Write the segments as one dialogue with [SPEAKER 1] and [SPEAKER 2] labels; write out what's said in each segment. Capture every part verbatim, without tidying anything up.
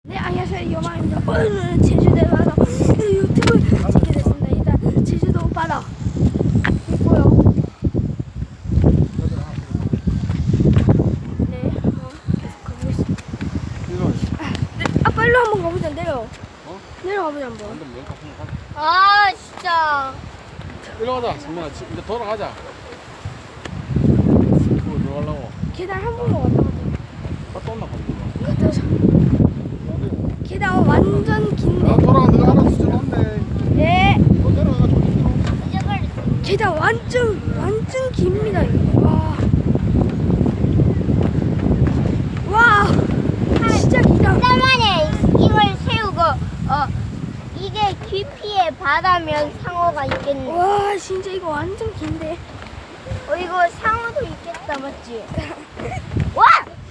[SPEAKER 1] 네, 안녕하세요. 요마입니다. 오늘은 제주도에 와서 유튜브 찍게 됐습니다. 일단 제주도 바다 있고요. 네, 어, 계속 가보겠습니다. 네, 아빠 일로 한번 가보자. 내려.
[SPEAKER 2] 어?
[SPEAKER 1] 내려가보자 한번.
[SPEAKER 2] 완전 면 같은 거 가자.
[SPEAKER 3] 아 진짜
[SPEAKER 2] 일로 가자. 정민아, 지- 이제 돌아가자. 그거 들어가려고.
[SPEAKER 1] 계단 한 번만 왔다 갔다.
[SPEAKER 2] 갔다 온나 봤는데.
[SPEAKER 1] 갔다 오자. 계단 완전 긴데.
[SPEAKER 2] 아, 돌아가. 내가 알아서 지나온대.
[SPEAKER 1] 네.
[SPEAKER 2] 너 내려가. 저기 들어.
[SPEAKER 3] 잊어버렸어.
[SPEAKER 1] 계단 완전 완전 깁니다. 이거. 와. 와. 진짜 기다.
[SPEAKER 3] 땀만에 이걸 세우고 어 이게 깊이의 바다면 상어가 있겠네.
[SPEAKER 1] 와, 진짜 이거 완전 긴데.
[SPEAKER 3] 어 이거 상어도 있겠다 맞지? 와!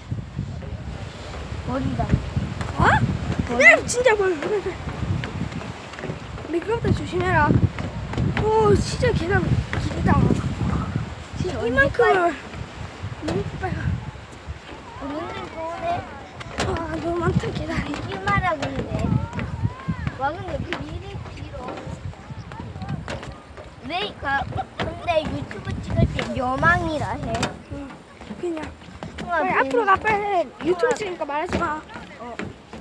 [SPEAKER 3] 머리다.
[SPEAKER 1] 어? 네, 진짜 멀. 미끄럽다 조심해라. 오, 진짜 계단 길다. 진짜 이만큼을. 너무 빨가.
[SPEAKER 3] 눈들 좋네.
[SPEAKER 1] 와, 너무 많다 계단이.
[SPEAKER 3] 이마라 근데. 와 근데 그 일이 길어. 왜 가? 근데 유튜브 찍을 때 여망이라 해.
[SPEAKER 1] 응, 그냥.
[SPEAKER 3] 통화
[SPEAKER 1] 빨리 앞으로 가 빨리. 유튜브 찍으니까 말하지 마.
[SPEAKER 3] 어.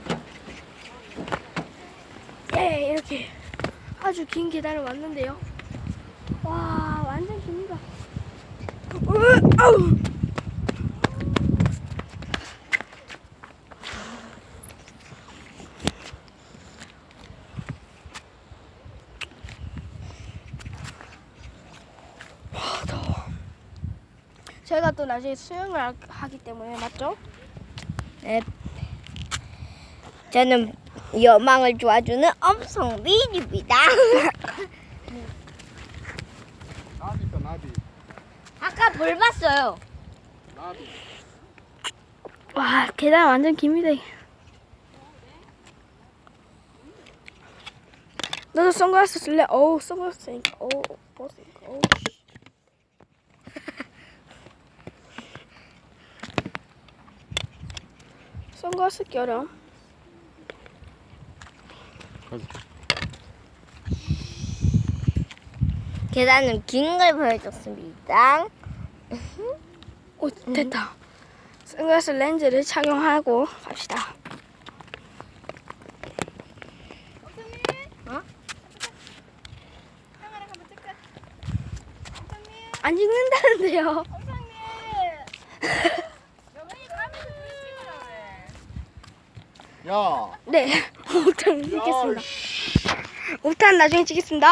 [SPEAKER 1] 예, 이렇게 아주 긴 계단을 왔는데요. 와, 완전 깁니다. 으, 아우. 와, 더워. 저희가 또 나중에 수영을 하- 하기 때문에 맞죠?
[SPEAKER 3] 네. 저는 여망을 도와주는 엄성민입니다.
[SPEAKER 2] 나비 있다, 나비.
[SPEAKER 3] 아까 볼 봤어요.
[SPEAKER 2] 나비.
[SPEAKER 1] 와, 계단 완전 깁니다. 너도 선글라스 쓸래? 어우, 선글라스 쓰니까 어우, 벗으니까 어우. 씨. 선글라스 껴라.
[SPEAKER 2] 가자.
[SPEAKER 3] 계단은 긴 걸 보여줬습니다.
[SPEAKER 1] 오, 됐다. 선글라스 렌즈를 착용하고 갑시다.
[SPEAKER 3] 어?
[SPEAKER 1] 안 찍는다는데요.
[SPEAKER 2] 야.
[SPEAKER 1] 네, 오 탄 찍겠습니다. 오 탄 나중에 찍겠습니다.